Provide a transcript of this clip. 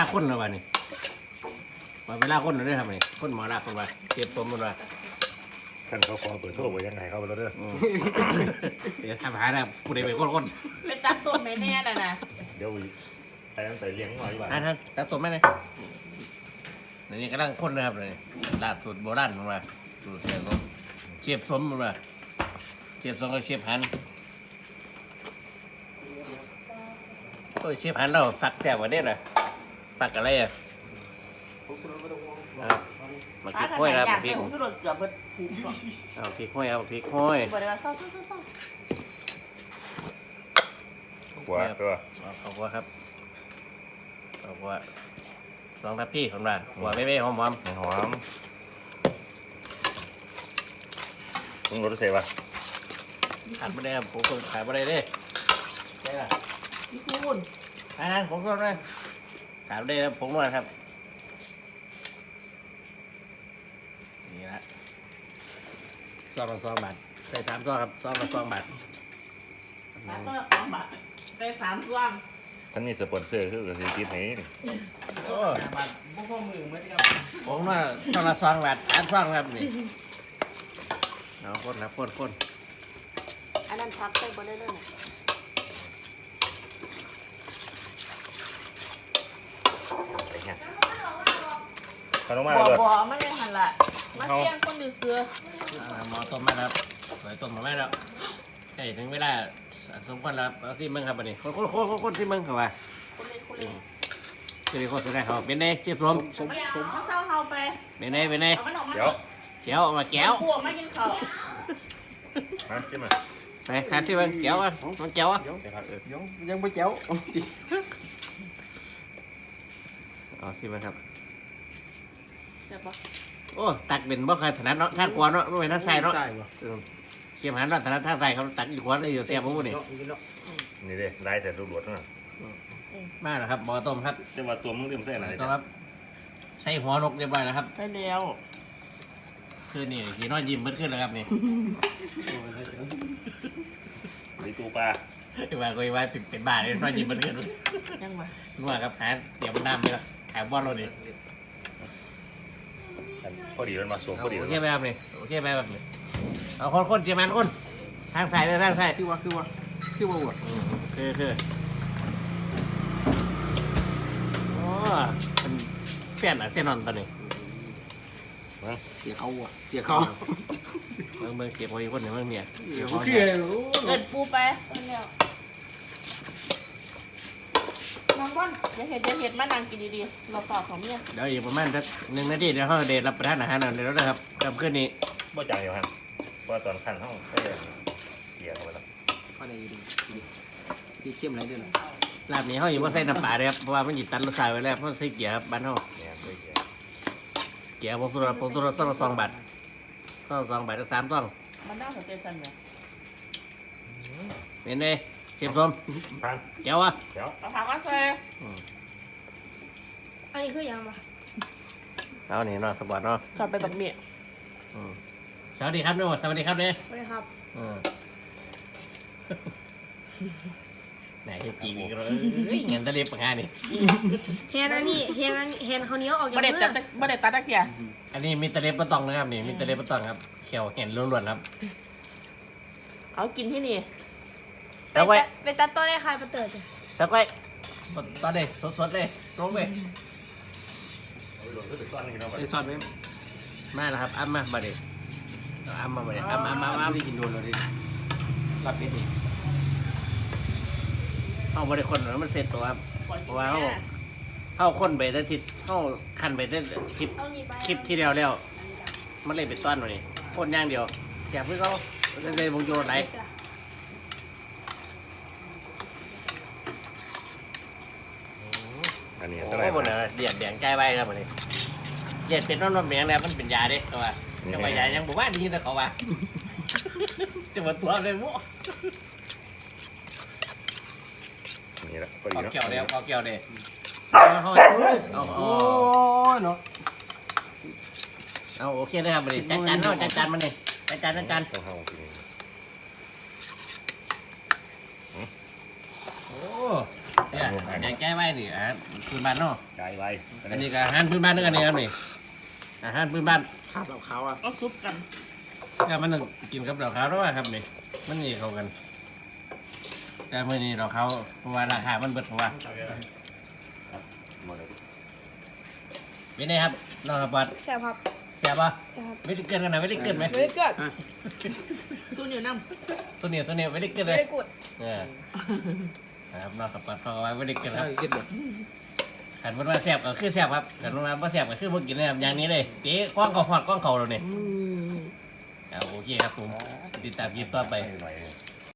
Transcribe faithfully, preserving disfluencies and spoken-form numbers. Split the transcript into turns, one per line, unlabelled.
คนแล้ววะนี่มาเวลาคนเลยครับนี่คนหมอลาคนว่าเก็บตัวมันว่า
ท่านเขาขอเปิดโทษไว้ยังไงเขาไปแล้วเด้อ
เดี๋ยวทำหาได้ผู้ใดเป็นคนคน
เป็นตัดต้นไม่แน่เลยนะ
เดี๋ยวไอ้ตั้งแต่เลี้ยงมาอยู่บ้าน
อ่ะท่านตักตัวแม่เลยนี่กำลังคนนะครับเลยลาบสูตรโบราณมันว่าสูตรเชียบสมเชียบสมมันว่าเชียบสมกับเชียบหันโอ้ยเชียบหันเราฝักแซ่บกว่าเด็ดเลยฝักอะไรอ่ะมาพริกห้อยครับพริก
ผมก็โดนเกือบเป็นผูก
เอาพริกห้อยเอาพริกห้อย
บอกเลยว่าซ่อซ่อซ่อซ่อ
หัวตัว
เอาหัวครับเอาหัวลองทับพี่ผมว่าหัวเบ้ๆหอม
หอมต้องรสเสียวะ
ๆขาดไม่ได้ครับผมก็ขายไม่ได้เด้ใช่ล่ะ
พี่คุณ
อ่าผมก็ได้ขาดไม่ได้ครับผมว่าครับนี่ละซองละสองบาทใส่สามซองครับซองละสองบาท
สามตัวสองบาทได้สามช่วง
ท่านมีสปอนเซอร์คือกับสิกินให้นี่
โอ้
บาทพวกพ่อมือเมื่อกี้
ผมว่าซองละสองบาทสามซองครับนี่เอาคนครับคนคน
อันนั้นพักไปบนได้เลย
ไอ้เงี้ยเขาต้องมา
บ่
เลย
บ่ไม่ได้หันละมาเที่ยงคนดูเสือ
อ่าหมอต้มแม่ครับสวยต้มมาแม่แล้วใกล้ถึงเวลาสมควรแล้วเอาที่เมืองครับอันนี้คนคนคนคนที่เมืองเขาว่า
คนเล่นคนเล่น
คือโคตรได้เขาเป็นไงเจ็บลม
สมสมเข้าเข้าไป
เป็นไงเป็นไง
เอามันออกมา
เดี๋ยว
เจียวเอามาแก้ว
พวกไม่กินข้าว
มาขึ้นมา
ไปทานที่มันแก้วอ่ะมันแก้วอ่ะ
ยังยังไม่เจ้า
อ๋อที่มันครับ
เดี๋ยวปะ
โอ้ตักเป็นบ่เคยถนัดเนาะท่านกวนเนาะไม่เป็นท่านใส่เนาะ
ใช่ป่ะ
เชียมหันเนาะถนัดท่านใส่เขาตักอยู่ขวานเลยอยู่เสียผมนี่
นี่เด้ไล่แต่รูปรถนะ
มาแล้วครับหมอต้มครับ
แต่ว่าตัวมึงเริ่มใส่อะไร
ต้มครับใส่หัวนกเรียบร้อยแล้วครับ
ใช่แล้ว
คืนนี่ขี่น้อยยิ้มเบิ้ขึ้นแล้วครับนี่
ดีตูปลา
ว่าคุยว่าเป็นบ้าเลยน้อยยิ้มเบิ้ขึ้น
ยังมา
ว่าครับหาเตรียมน้ำไปแล้วขายบอลเราดิ
พอดีมันมาสวมพอดี
โอเคไหมครับนี่โอเคไหมแบบนี้เอาคนคนเจียมันคนทางซ้ายเลยทางซ้าย
คือว่าคือว่าคือว่าว่ะ
คือคือโอ้เป็นแฟนอ่ะเซนนอนตอนนี้
เสียเขาว่ะเสียเขา
เมืองเมืองเก็บไว้คนหนึ่งเมืองเนี่ย
เดี๋ยวคือ
เกิดปูไปแล้วน้องบอลจะเห็ดจะเห็ดมานั่งกินดีๆเราต่อของเมีย
เดี๋ยวอีกประมาณสักหนึ่งนาทีเดี๋ยวเขาเดทรับประทานอาหารหน่อยเดี๋ยวนะครับกลับขึ้นนี้
บ่จังอยู่ฮะเพราะตอนขั้นห้องใส่เกียร์เข้าไปแล้ว
ก็ได้ดีดีเข้มอะไรด้วยนะ
ลาบนี้เขาอยู่ว่าใส่น้ำปลาเลยครับเพราะว่ามันหยิบตันรสชาติไว้แล้วเพราะใส่เกี๊ยวครับบ้านเขา
เนี่ยใส่เกียร์
เกี๊ยวผงสุรผงสุรสองละสองบาทสองละสองบาทก็สามต้อง
มันน่าสนใจจังเลย
เป็นไงเชฟส้ม
พัน
เกี๊ยวอ่ะ
เดี๋ยว
เอาถามว่าเซ่
อันนี้คือยังปะ
เอานี่เนาะสปอร์ตเนาะ
ชอบไปแบบเมีย
อืมสวัสดีครับเนี่ยสวัสดีครับเนี่ย
ไม่ได้ครับ
อืมไหนเฮ็ดจริงอีกแล้วเอ้ยเงินตะเล็บปากกานี่
แฮนอันนี้แฮนอันนี้แฮนเขาวเหนี้ยวออกจา
บ่
ก
ได้
มือ
ตัดบ่ได้ตัดตะเกียบ
อันนี้มีตะเล็บปะตองนะครับนี่มีตะเล็บปะตองครับเขียวเห็นล้วนๆครับ
เอากินที่นี่
ไป
สักไว้
ตัดไปตัดต้นได้ใครมาเติร์ดจ้ะ
สักไว้ตอนนี้สดๆเลยลงไป
ไอ้ซอสไหม
มาแล้วครับอ้ำมาบัดนี้เอาอ้ำมาบัดนี้อ้ำอ้ำอ้ำอ้ำ
ไม่กินโดนเลยดิรับเป็ดนี่
เอาบริคนแล้วมันเสร็จตัวครับเพราะว่าเขาเขาคนไปแต่ทิศเขาคันไปแต่คลิป
เอานี่ไป
คลิปที่เดียวแล้วมันเลยเป็นต้อนหน่อยคนอย่างเดียวอยากเพื่อเขาเลยวงโยนไหน
อันนี้
โอ้
เท่าไหร่
โหหมดเลยเดียดแดงใจไว้ครับบัดนี้เดียดเป็นน้ำน้ำแดงแล้วมันเป็นยาเด้ตัวจะไปยายังบอกว่าดีแต่เขาว่าจะมาตัวเลยมั่ว
นี่แหละพอดี
เอา
เนาะ
เกี่ยวเดียวเอาเกี่ยวเดียวเอาเอาเอา
โอ้เนาะ
เอาโอเคเลยครับบัดนี้จัดจานเนาะจัดจานมันนี่จัดจานจัดจาน
ต้องเข้ากิน
โอ้เนี่ยแกงแก้ไว้นี่อาหารพื้นบ้านเนาะ
กายไว้
อันนี้ก็อาหารพื้นบ้านนึงอันนี้ครับนี่อาหารพื้นบ้าน
ขาดเหล่าขาวอ่ะ
ก็ซุปกัน
ก็มันต้องกินกับดอกขาวด้วยครับนี่มันนี่เข้ากันแต่เมื่อนี้ดอกขาวเพราะว่าราคามันเบิดเพราะว่า
หมดเลย
เป็นไงครับน้องระบัด
แซ่บครับ
แซ่บปะ
แซ่บครับ
ไม่ได้เกินกันนะไม่ได้เกินไหม
ไม่ได้เกิด
สู้เหนียวน้
สุนีสุนีไม่ได้เกิน
ไม่
เลย
ได้กด
เออครับน้องระบัดเขาเอาไว้ไม่ได้เกินครับ
เออกินหมด
ขันมันว่าแซ่บก็คือแซ่บครับขันมันว่าบ่แซ่บก็คือบ่กินเลยครับอย่างนี้เลยเจ๊กล้องเขาหอดกล้องเขาเราเนี่ย
อืม
เอาโอเคครับผมติดตามคลิปต่อไป
หน่อย